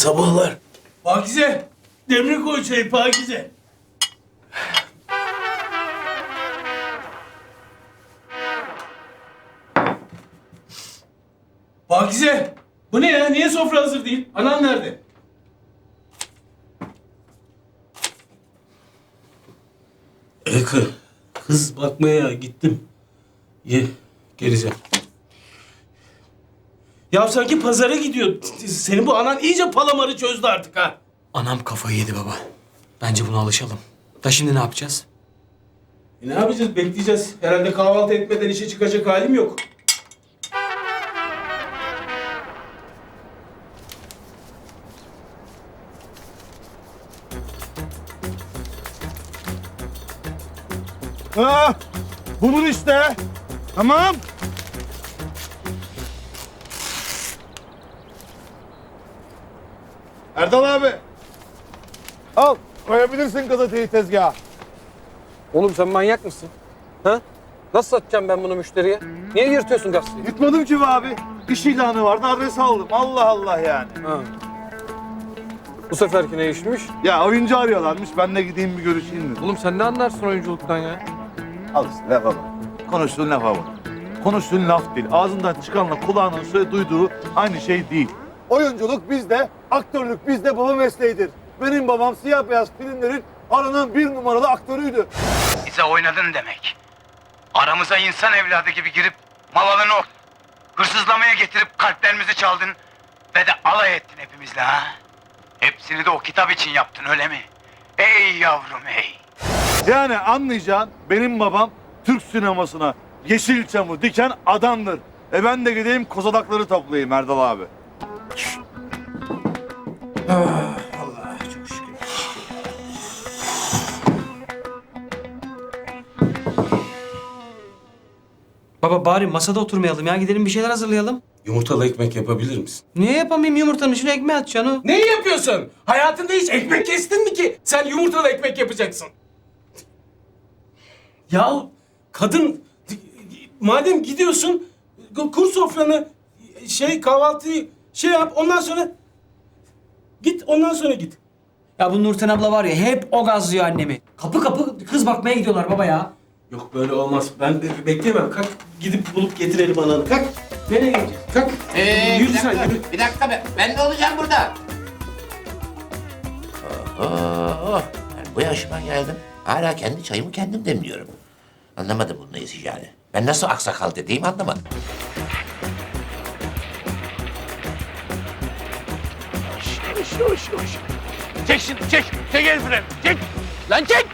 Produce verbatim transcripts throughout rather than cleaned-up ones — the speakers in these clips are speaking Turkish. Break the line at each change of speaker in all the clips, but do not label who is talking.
sabahlar. Pakize, demir koy çayı Pakize. Pakize, bu ne ya? Niye sofra hazır değil? Anan nerede? Eka, kız bakmaya gittim. Ye, geleceğim. Ya sanki pazara gidiyor. Senin bu anan iyice palamarı çözdü artık ha.
Anam kafayı yedi baba. Bence buna alışalım. Da şimdi ne yapacağız?
E ne yapacağız? Bekleyeceğiz. Herhalde kahvaltı etmeden işe çıkacak halim yok.
Ha, bulur işte. Tamam. Erdal abi. Al, koyabilirsin gazeteyi tezgaha.
Oğlum sen manyak mısın? Ha? Nasıl satacağım ben bunu müşteriye? Niye yırtıyorsun gazeteyi?
Yutmadım ki be abi. İş ilanı vardı, adres aldım. Allah Allah yani.
Ha. Bu seferki ne işmiş?
Ya oyuncu arıyorlarmış, ben de gideyim bir görüşeyim dedim.
Oğlum sen ne anlarsın oyunculuktan ya?
Al işte lafa bak. Konuştuğun lafa bak. Konuştuğun laf değil. Ağzından çıkanla kulağının söyle duyduğu aynı şey değil. Oyunculuk bizde, aktörlük bizde baba mesleğidir. Benim babam siyah beyaz filmlerin aranan bir numaralı aktörüydü.
Bize oynadın demek. Aramıza insan evladı gibi girip malını o hırsızlamaya getirip kalplerimizi çaldın ve de alay ettin hepimizle ha. Hepsini de o kitap için yaptın öyle mi? Ey yavrum ey.
Yani anlayacağın benim babam Türk sinemasına Yeşilçam'ı diken adamdır. E ben de gideyim kozalakları toplayayım Erdal abi.
Allah çok şükür.
Baba bari masada oturmayalım ya. Gidelim bir şeyler hazırlayalım.
Yumurtalı ekmek yapabilir misin?
Niye yapamayayım yumurtanın içine ekmeği atacaksın o?
Neyi yapıyorsun? Hayatında hiç ekmek kestin mi ki? Sen yumurtalı ekmek yapacaksın. Ya kadın, madem gidiyorsun, kur sofranı, şey kahvaltıyı şey yap, ondan sonra git, ondan sonra git.
Ya bu Nurten abla var ya hep o gazlıyor annemi. Kapı kapı kız bakmaya gidiyorlar baba ya.
Yok böyle olmaz. Ben be- bekleyemem. Kalk gidip bulup getirelim ananı. Kalk. Nereye gideceğiz? Kalk.
Ee,
Yürü
bir
sen
dakika,
yürü.
bir dakika be. Ben de olacağım burada. Oo, ben bu yaşıma geldim. Hala kendi çayımı kendim demliyorum. Anlamadım bunun neyse yani. Ben nasıl aksakal dediğimi anlamadım. Yavaş, yavaş, yavaş, yavaş. Çek şimdi, çek. Çek el freni, çek. Lan çek.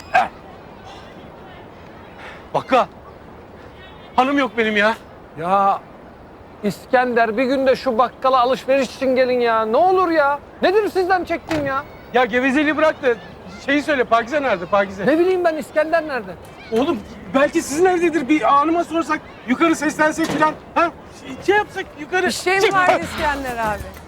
Bakka. Hanım yok benim ya. Ya İskender bir gün de şu bakkala alışveriş için gelin ya. Ne olur ya. Nedir sizden çektiğim ya?
Ya gevezeliği bırak da şeyi söyle, Pakize nerede Pakize?
Ne bileyim ben İskender nerede?
Oğlum belki sizin evdedir, bir hanıma sorsak, yukarı seslensek falan. Ha? Şey, şey yapsak yukarı.
Bir şey mi
Çık.
var İskender abi?